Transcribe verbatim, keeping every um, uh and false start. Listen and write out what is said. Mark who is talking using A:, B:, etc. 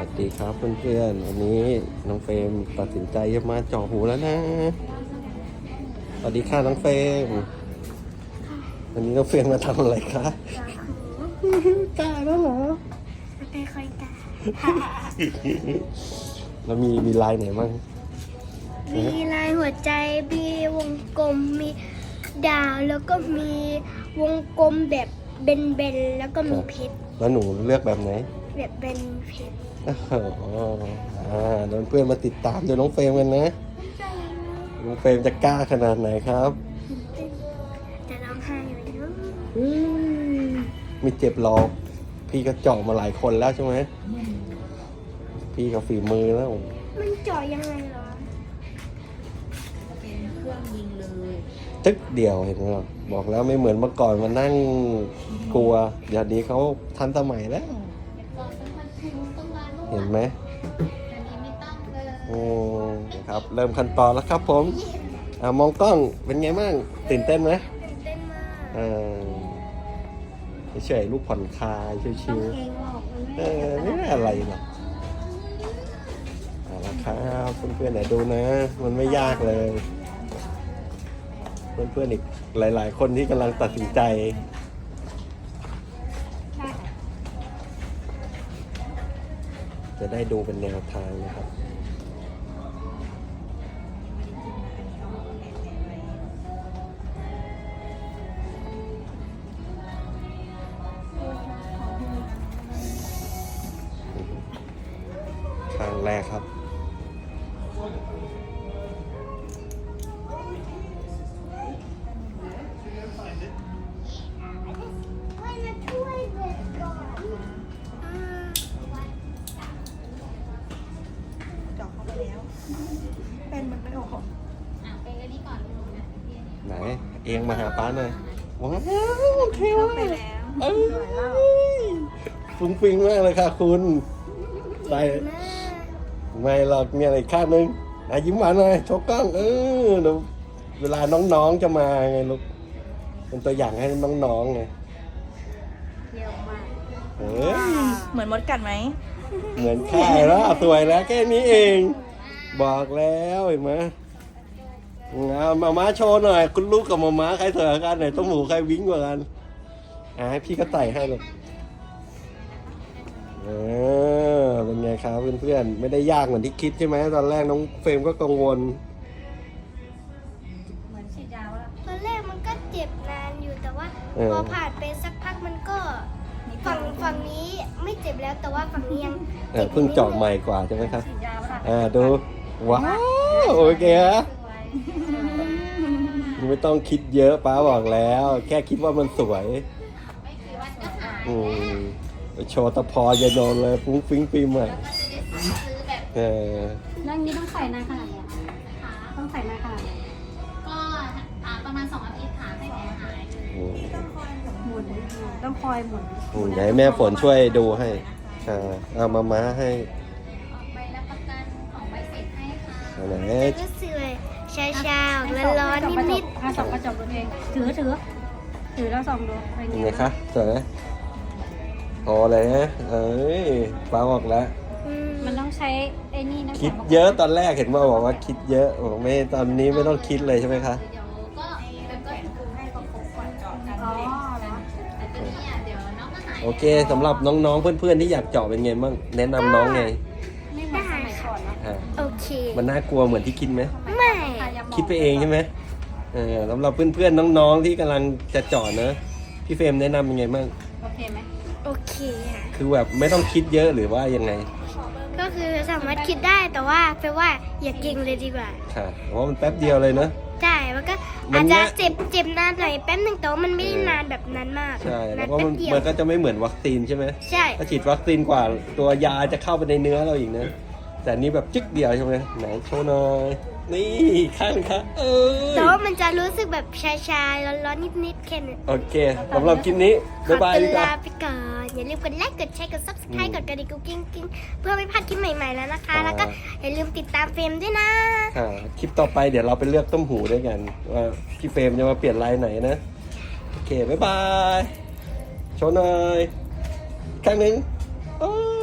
A: วัสดีครับเพื่อนๆวันนี้น้องเฟรมตัดสินใจจะมาเจาะหูแล้วนะสวัสดีค่ะน้องเฟรมวันนี้น้องเฟรมมาทำอะไรคะกล้าแล้วเหรอ
B: ไม่ค่อยกล้า
A: แล้วมีมีลายไหนบ้าง
B: มีลายหัวใจมีวงกลมมีดาวแล้วก็มีวงกลมแบบเบนๆแล้วก็มีเพชร
A: แล้วหนูเลือกแบบไหน
B: แบบเป็นเพชร
A: อ๋ออ่าโดนเพื่อนมาติดตามเดี๋ยวน้องเฟรมกันนะน้องเฟรมจะกล้าขนาดไหนครับ
B: จะร้องไห้ไหมเนาะ
A: ไม่เจ็บหรอกพี่ก็เจาะมาหลายคนแล้วใช่ไหมพี่ก็ฝีมือแล้ว
B: มันเจาะยังไงเหรอ
C: เป็นเครื่องยิงเลย
A: ตึ๊กเดียวเห็นไหมบอกแล้วไม่เหมือนเมื่อก่อนมานั่งกลัวเดี๋ยวนี้เขาทันสมัยแล้วเห็นไหมโอ้ครับเริ่มขั้นตอนแล้วครับผมอ่ามองกล้องเป็นไงบ้างตื่นเต้นไหม
B: ตื่นเต้นมาก
A: อ่าเฉยๆลูกผ่อนคลายชิวๆเออไม่ได้อะไรหรอกเอาละครับเพื่อนๆไหนดูนะมันไม่ยากเลยเพื่อนๆอีกหลายๆคนที่กำลังตัดสินใจจะได้ดูเป็นแนวทางนะครับครั้งแรกครับ
C: เป็นมันไม่ออก
A: ไหนเองมาหาป้าหน่อยว้าวโอเคว่ะเอ้ยฟุ้งฟิ้งมากเลยค่ะคุณใส่ไม่หรอกมีอะไรอีกข้างนึงอ่ะยิ้มหวานหน่อยโชว์กล้องเออเดี๋ยวเวลาน้องๆจะมาไงลูกเป็นตัวอย่างให้น้องๆไง
C: เยี่ยมมาก
A: เฮ้ย
C: เหมือนมดกัดไหม
A: เหมือนแค่แล้วสวยแล้วแค่นี้เองบอกแล้วเห็นไหมเอามาม้าโชว์หน่อยคุณลูกกับมาม้าใครเถอะกันไหนต้มหมูใครวิ่งกว่ากันอ่ะให้พี่ก็ไต่ให้เลยเออเป็นไงครับเพื่อนๆไม่ได้ยากเหมือนที่คิดใช่ไหมตอนแรกน้องเฟรมก็กังวล
C: เหมือนฉีดยาแล้ว
B: ตอนแรกมันก็เจ็บนานอยู่แต่ว่าพอผ่านไปสักพักมันก็ฝั่งฝั่งนี้ไม่เจ็บแล้วแต่ว่าฝั่งนี้ยัง
A: เออเพิ่งเจาะใหม่กว่าใช่ไหมครับอ่าดูว้าวโอเคฮะไม่ต้องคิดเยอะป้าบอกแล้วแค่คิดว่ามันสวยอืมโชว์ตะพออย่าโดนเลยฟุ้งฟิ้งปีใหม่เออ
D: นั่งนี้ต้องใส่นานขนาดไหนต้องใส่นานขนาดไหน
E: ก็ประมาณสองอาทิตย์ค่ะให้แผลหาย
D: หมุนต้องคอยหมุน
A: อืมให้แม่ฝนช่วยดูให้อ่าเอามาม้าให้
E: ใบรับประกันของใบเสร็จให้ค่ะ
A: ไหน
B: ก็สวยชาชาร้อนๆนิด
D: ๆถ้าส่องกระจกดูเองถือถือถือแล้วส่องดู
A: เป็นไงคะสวยไหมพอเลยนะเอ้ยฟ้าบอกแล้ว
D: มันต้องใช้ไอ้นี่นะ
A: คิดเยอะตอนแรกเห็นว่าบอกว่าคิดเยอะบอกไม่ตอนนี้ไม่ต้องคิดเลยใช่ไหมคะ
E: เดี๋ยวก็แบบก็คือให้ประกบก่อนเจาะกัน
D: อ๋อ
E: แต่ตัวนี้เดี๋ยวน้องก็หาย
A: โอเคสำหรับน้องๆเพื่อนๆที่อยากเจาะเป็นไงบ้างแนะนำน้องไง
D: ไม่เหมือนสมัยก่อนนะ
B: โอเค
A: มันน่ากลัวเหมือนที่คิดไหม
B: ไม่
A: คิดไปเองใช่ไหมเออสำหรับเพื่อนๆน้องๆที่กำลังจะเจาะนะพี่เฟรมแนะนำยังไงบ้าง
D: โอเคไหม
B: โอเคค่ะ
A: คือแบบไม่ต้องคิดเยอะหรือว่ายังไง
B: ก็คือสามารถคิดได้แต่ว่าแปลว่าอย่าเก่งเลยดีกว่า
A: ค่ะเพราะมันแป๊บเดียวเลยเนอะ
B: ใช่มันก็อาจจะเจ็บเจ็บนานหน่อยแป๊บนึงแต่ว่ามันไม่ได้นานแบบนั้นมาก
A: ใช่แล้วก็มันก็จะไม่เหมือนวัคซีนใช่ไหม
B: ใช่
A: ถ้าฉีดวัคซีนกว่าตัวยาจะเข้าไปในเนื้อเราอีกนะแต่นี้แบบจึ๊กเดียวใช่ไหมไหนโชว์หน่อยนี่ข้างค่ะเออ
B: แต่ว่ามันจะรู้สึกแบบชาๆร้อนๆนิดๆแค่นั้น
A: โอเคสำหรับคลิปนี้บ๊ายบายดีกว่า
B: ลาไปก่อนอย่าลืมกดไลค์กดแชร์กด ซับสไครบ์ กดกระดิ่งกุ๊กกิ้งกิ้งเพื่อไม่พลาดคลิปใหม่ๆแล้วนะคะแล้วก็อย่าลืมติดตามเฟรมด้วยนะ
A: คลิปต่อไปเดี๋ยวเราไปเลือกต้มหูด้วยกันว่าพี่เฟรมจะมาเปลี่ยนลายไหนนะโอเคบ๊ายบายโชว์หน่อยข้างหนึ่งโอ้